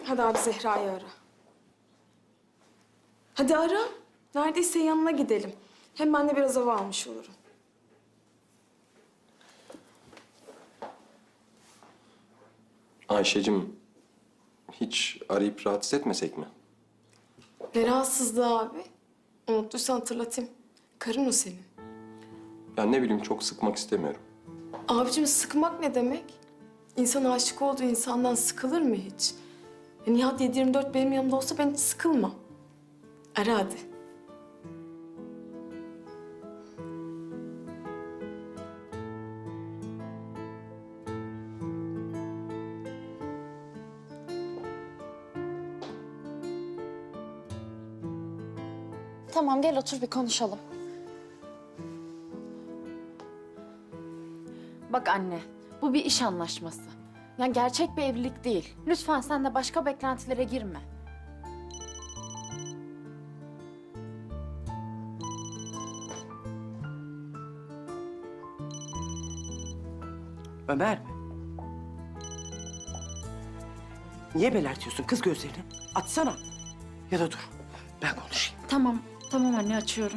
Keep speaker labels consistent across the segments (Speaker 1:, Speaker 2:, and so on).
Speaker 1: Hadi abi Zehra'yı ara. Hadi ara. Neredeyse yanına gidelim. Hem ben de biraz hava almış olurum.
Speaker 2: Ayşe'cim, hiç arayıp rahatsız etmesek mi?
Speaker 1: Ne rahatsızlığı abi? Unuttuysan hatırlatayım. Karın o senin.
Speaker 2: Ya ne bileyim, çok sıkmak istemiyorum.
Speaker 1: Abicim sıkmak ne demek? İnsan aşık olduğu insandan sıkılır mı hiç? Nihat 7/24 benim yanımda olsa ben hiç sıkılmam. Ara hadi.
Speaker 3: Tamam gel otur bir konuşalım. Bak anne, bu bir iş anlaşması. Yani gerçek bir evlilik değil. Lütfen sen de başka beklentilere girme.
Speaker 4: Ömer mi? Niye belertiyorsun kız gözlerini? Açsana. Ya da dur, ben konuşayım.
Speaker 3: Tamam, tamam anne açıyorum.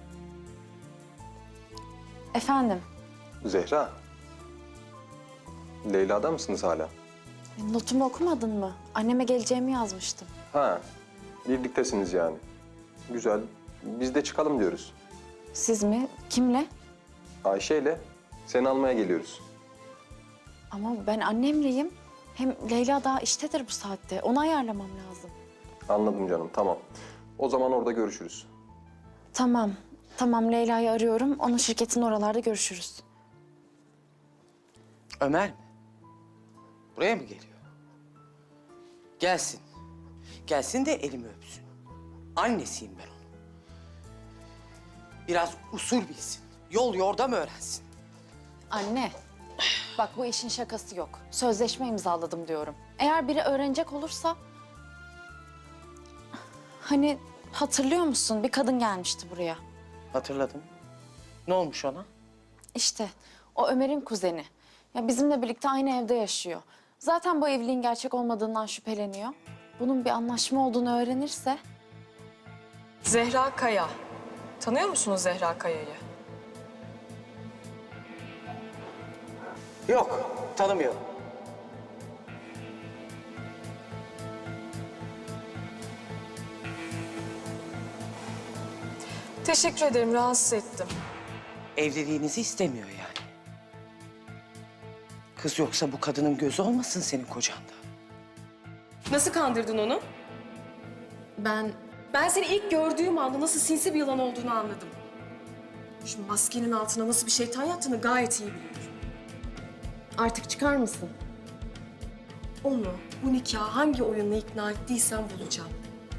Speaker 3: Efendim,
Speaker 2: Zehra, Leyla'da mısınız hala?
Speaker 3: notumu okumadın mı? Anneme geleceğimi yazmıştım.
Speaker 2: Ha, birliktesiniz yani. Güzel, biz de çıkalım diyoruz.
Speaker 3: Siz mi? Kimle?
Speaker 2: Ayşe'yle seni almaya geliyoruz.
Speaker 3: Ama ben annemleyim. Hem Leyla daha iştedir bu saatte. Onu ayarlamam lazım.
Speaker 2: Anladım canım, tamam. O zaman orada görüşürüz.
Speaker 3: Tamam, tamam Leyla'yı arıyorum. Onun şirketin oralarda görüşürüz.
Speaker 4: Ömer mi? Buraya mı geliyor? Gelsin. Gelsin de elimi öpsün. Annesiyim ben onun. Biraz usul bilsin. Yol yordam öğrensin.
Speaker 3: Anne, bak bu işin şakası yok. Sözleşme imzaladım diyorum. Eğer biri öğrenecek olursa... Hani hatırlıyor musun? Bir kadın gelmişti buraya.
Speaker 4: Hatırladım. Ne olmuş ona?
Speaker 3: İşte o Ömer'in kuzeni. Ya bizimle birlikte aynı evde yaşıyor. Zaten bu evliliğin gerçek olmadığından şüpheleniyor. Bunun bir anlaşma olduğunu öğrenirse...
Speaker 1: Zehra Kaya. Tanıyor musunuz Zehra Kaya'yı?
Speaker 4: Yok, tanımıyorum.
Speaker 1: Teşekkür ederim, rahatsız ettim.
Speaker 4: Evliliğinizi istemiyor yani. Kız yoksa bu kadının gözü olmasın senin kocanda.
Speaker 1: Nasıl kandırdın onu? Ben seni ilk gördüğüm anda nasıl sinsi bir yılan olduğunu anladım. Şu maskenin altına nasıl bir şeytan yattığını gayet iyi biliyorum.
Speaker 3: Artık çıkar mısın?
Speaker 1: Onu bu nikaha hangi oyunla ikna ettiysen bulacağım.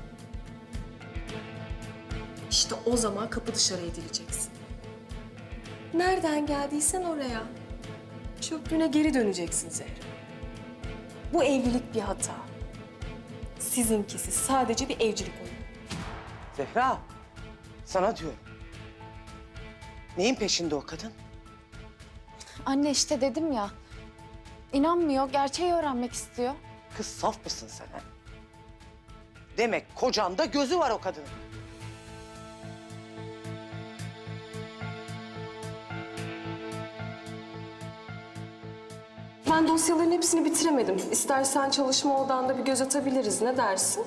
Speaker 1: İşte o zaman kapı dışarı edileceksin. Nereden geldiysen oraya. Çöplüğüne geri döneceksin Zehra. Bu evlilik bir hata. Sizinkisi sadece bir evcilik oyunu.
Speaker 4: Zehra, sana diyorum. Neyin peşinde o kadın?
Speaker 3: Anne işte dedim ya. İnanmıyor, gerçeği öğrenmek istiyor.
Speaker 4: Kız saf mısın sen ha? Demek kocanda gözü var o kadının.
Speaker 1: Ben dosyaların hepsini bitiremedim. İstersen çalışma odanda bir göz atabiliriz. Ne dersin?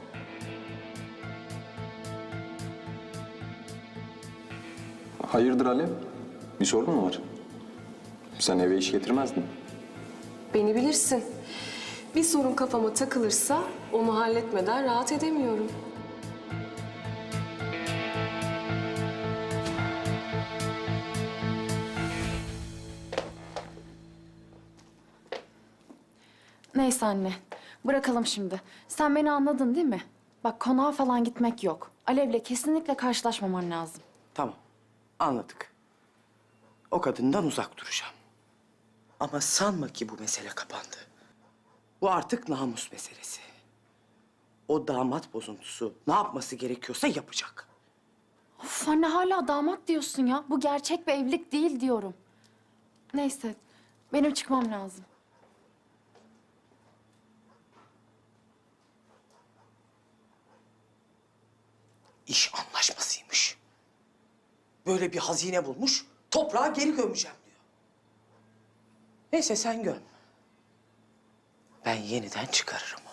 Speaker 2: Hayırdır Alev? Bir sorun mu var? Sen eve iş getirmezdin.
Speaker 1: Beni bilirsin. Bir sorun kafama takılırsa onu halletmeden rahat edemiyorum.
Speaker 3: Neyse anne, bırakalım şimdi. Sen beni anladın değil mi? Bak konağa falan gitmek yok. Alev'le kesinlikle karşılaşmaman lazım.
Speaker 4: Tamam, anladık. O kadından uzak duracağım. Ama sanma ki bu mesele kapandı. Bu artık namus meselesi. O damat bozuntusu ne yapması gerekiyorsa yapacak.
Speaker 3: Of anne hala damat diyorsun ya. Bu gerçek bir evlilik değil diyorum. Neyse, benim çıkmam lazım.
Speaker 4: İş anlaşmasıymış. Böyle bir hazine bulmuş, toprağa geri gömeceğim diyor. Neyse sen göm. Ben yeniden çıkarırım